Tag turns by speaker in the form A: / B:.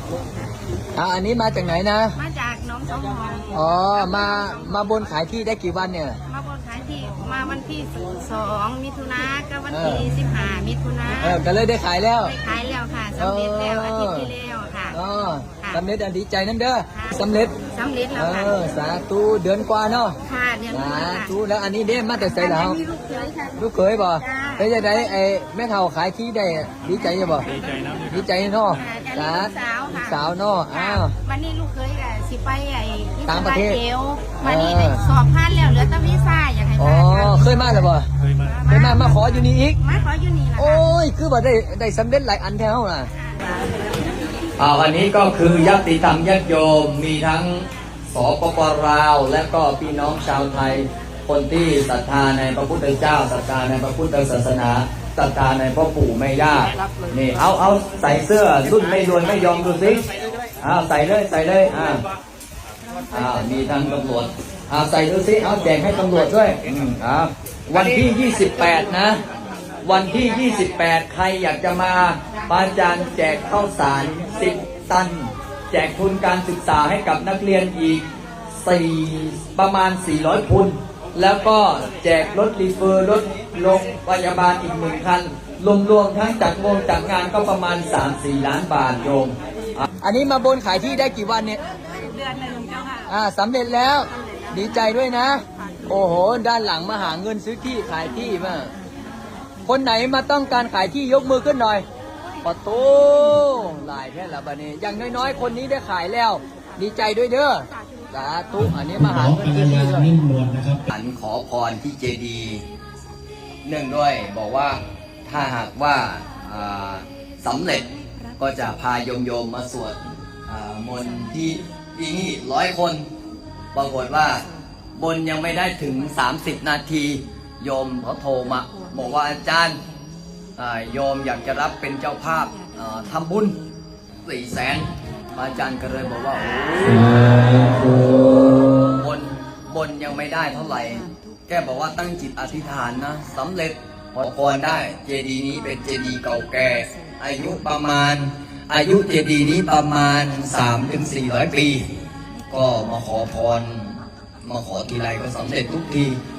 A: อันนี้มาจากไหนนะ
B: มาจากน้องสองหอง
A: อ๋อมาบนขายที่ได้กี่วันเนี่ย
B: มาบนขายที่มาวันที่2 มิถุนากับวันที่15 มิถุนา
A: ก็เลยได้ขายแล้ว
B: ได้ขายแล้วค่ะสำเร็จแล้วอาทิตย์ที่แล้วค่ะ
A: สำเร็จดีใจนั่นเด้อสำเร็จ
B: แล้วค่ะ
A: สาธุเดือนกว่าเนาะ
B: ค่ะเดือน
A: สาธุแล้วอันนี้เด้มาแต่ใส่แล้วลูกเขยบ่ไปจะได้ไอ้แม่เฒ่าขายที่ได้ดีใจจะบ่ดีใจเนาะสาวเนาะ
B: วันนี้ลูกเคยกับสิไปไอ้
A: ต่างประเทศ
B: วันนี้สอบผ่านแล้วเหลือแต่วีซ่าอยากให้
A: อ๋อเคยมาหรือเปล่าเคยมาขออยู่นี่อีก
B: มาขออยู่นี่
A: โอ้ยคือว่าได้สำเร็จหลายอันแถวน่ะวันนี้ก็คือญาติธรรมญาติโยมมีทั้งสปป.ลาวและก็พี่น้องชาวไทยคนที่ศรัทธาในพระพุทธเจ้าศรัทธาในพระพุทธศาสนาศรัทธาในพ่อปู่แม่ย่านี่เอาใส่เสื้อรุ่นไม่รวยไม่ยอมดูสิใส่เลยมีทั้งตำรวจใส่ดูสิแจกให้ตำรวจด้วยวันที่28นะวันที่28ใครอยากจะมาอาจารย์แจกข้าวสาร10 ตันแจกทุนการศึกษาให้กับนักเรียนอีกประมาณ400 ทุนแล้วก็แจกรถรีเฟอร์รถโรงพยาบาลอีก1 คันรวมทั้งจัดงานก็ประมาณ 3-4 ล้านบาทโยมอันนี้มาบนขายที่ได้กี่วันเนี่ย
B: เดือนนึงเจ้าค่ะ
A: สำเร็จแล้วดีใจด้วยนะโอ้โหด้านหลังมาหาเงินซื้อที่ขายที่มาคนไหนมาต้องการขายที่ยกมือขึ้นหน่อยปะโตหลายแค่ละบัดนี้อย่างน้อยๆคนนี้ได้ขายแล้วดีใจด้วยเด้อสาธุอันนี้มาหาเงินซื้อที่ด้วยอันขอพรที่เจดีย์เนื่องด้วยบอกว่าถ้าหากว่าสำเร็จก็จะพาโยมมาสวดมนต์ที่นี่100 คนปรากฏว่าบนยังไม่ได้ถึง30 นาทีโยมเขาโทรมาบอกว่าอาจารย์โยมอยากจะรับเป็นเจ้าภาพทำบุญ400,000อาจารย์ก็เลยบอกว่าโอ้บนยังไม่ได้เท่าไหร่แกบอกว่าตั้งจิตอธิษฐานนะสำเร็จขอพรได้เจดีย์นี้เป็นเจดีย์เก่าแก่อายุเจดีย์นี้ประมาณ 300-400 ปีก็มาขอพรมาขอทีไรก็สำเร็จทุกที